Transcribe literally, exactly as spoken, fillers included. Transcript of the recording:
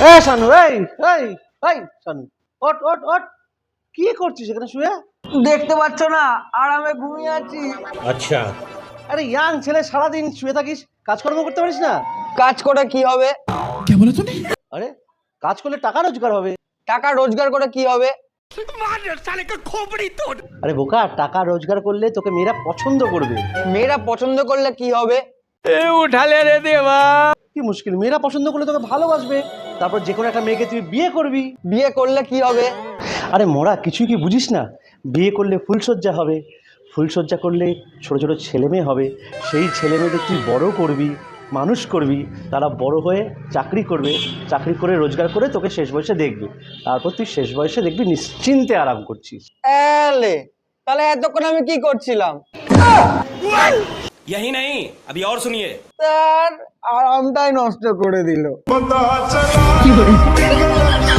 এ শানু, এই এই এই শানু, ওঠ ওঠ ওঠ। কি করছিস এখানে শুয়ে? দেখতে পাচ্ছ না আরামে ঘুমিয়ে আছি। अच्छा। আরে ইয়াং ছেলে, সারাদিন শুয়ে থাকিস, কাজকর্ম করতে পারিস না? কাজ করে কি হবে? আরে কাজ করলে টাকা রোজগার হবে। টাকা রোজগার করে কি হবে? আরে বোকা, টাকা রোজগার করলে তোকে মেয়েরা পছন্দ করবে। মেয়েরা পছন্দ করলে কি হবে? কি মুশকিল, মেয়েরা পছন্দ করলে তোকে ভালোবাসবে, তারপর যে কোনো একটা মেয়েকে তুই বিয়ে করবি। বিয়ে করলে কি হবে? আরে মোরা কিছুই কি বুঝিস না? বিয়ে করলে ফুলসজ্জা হবে, ফুলসজ্জা করলে ছোট ছোট ছেলে মেয়ে হবে, সেই ছেলে মেয়েদের তুই বড় করবি, মানুষ করবি, তারা বড় হয়ে চাকরি করবে, চাকরি করে রোজগার করে তোকে শেষ বয়সে দেখবি, তারপর তুই শেষ বয়সে দেখবি নিশ্চিন্তে আরাম করছিস। এলে তাহলে এতক্ষণ আমি কি করছিলাম? यही नहीं, अभी और सुनिए। তার আরামটাই নষ্ট করে দিল।